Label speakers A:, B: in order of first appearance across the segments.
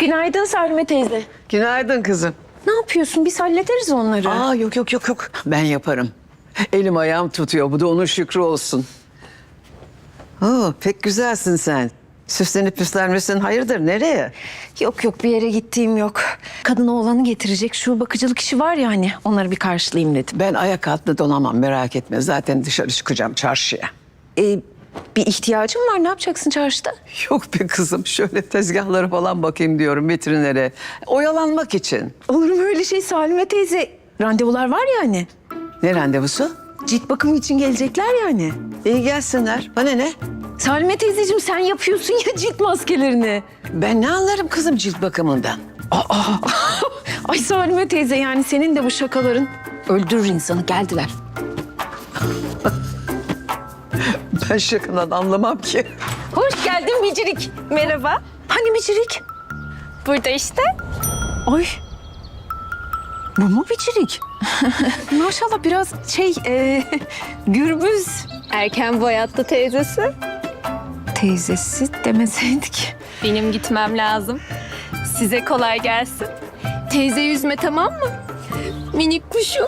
A: Günaydın Salime teyze.
B: Günaydın kızım.
A: Ne yapıyorsun? Biz hallederiz onları.
B: Aa yok. Ben yaparım. Elim ayağım tutuyor. Bu da onun şükrü olsun. Oo, pek güzelsin sen. Süslenip püslenmesin. Hayırdır nereye?
A: Yok bir yere gittiğim yok. Kadın oğlanı getirecek şu bakıcılık işi var ya hani onları bir karşılayayım dedim.
B: Ben ayak altında donamam merak etme. Zaten dışarı çıkacağım çarşıya.
A: Bir ihtiyacım var. Ne yapacaksın çarşıda?
B: Yok be kızım. Şöyle tezgahlara falan bakayım diyorum vitrinlere. Oyalanmak için.
A: Olur mu öyle şey Salime teyze? Randevular var ya hani.
B: Ne randevusu?
A: Cilt bakımı için gelecekler yani.
B: İyi gelsinler. Bana ne?
A: Salime teyzeciğim sen yapıyorsun ya cilt maskelerini.
B: Ben ne anlarım kızım cilt bakımından?
A: Ay Salime teyze yani senin de bu şakaların öldürür insanı. Geldiler.
B: Ben şakadan anlamam ki.
A: Hoş geldin Bicirik.
C: Merhaba.
A: Hani Bicirik?
C: Burada işte.
A: Ay. Bu mu Bicirik? Maşallah biraz gürbüz.
C: Erken boyattı teyzesi.
A: Teyzesi demeseydik.
C: Benim gitmem lazım. Size kolay gelsin. Teyze yüzme tamam mı? Minik kuşum.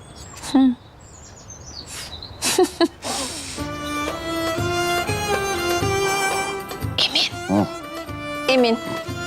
C: Emin.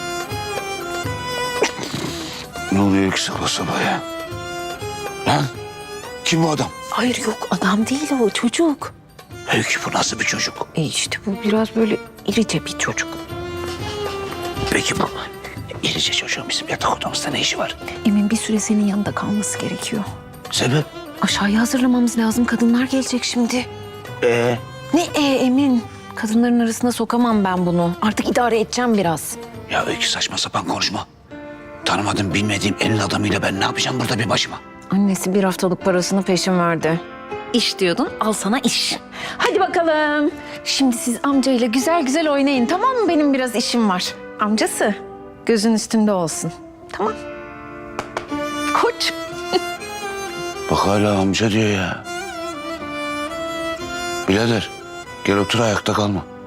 D: Ne oluyor ki sabah sabah ya? Lan kim bu adam?
A: Hayır yok adam değil o çocuk.
D: Öykü bu nasıl bir çocuk?
A: İşte bu biraz böyle irice bir çocuk.
D: Peki bu irice çocuğun bizim yatak odamızda ne işi var?
A: Emin bir süre senin yanında kalması gerekiyor.
D: Sebep?
A: Aşağıya hazırlamamız lazım. Kadınlar gelecek şimdi. Ne Emin? Kadınların arasına sokamam ben bunu. Artık idare edeceğim biraz.
D: Ya Öykü saçma sapan konuşma. Tanımadığım bilmediğim elin adamıyla ben ne yapacağım burada bir başıma?
A: Annesi bir haftalık parasını peşin verdi. İş diyordun, al sana iş. Hadi bakalım. Şimdi siz amcayla güzel güzel oynayın, tamam mı? Benim biraz işim var. Amcası, gözün üstünde olsun. Tamam. Koç.
D: Bak hala amca diyor ya. Birader gel otur ayakta kalma.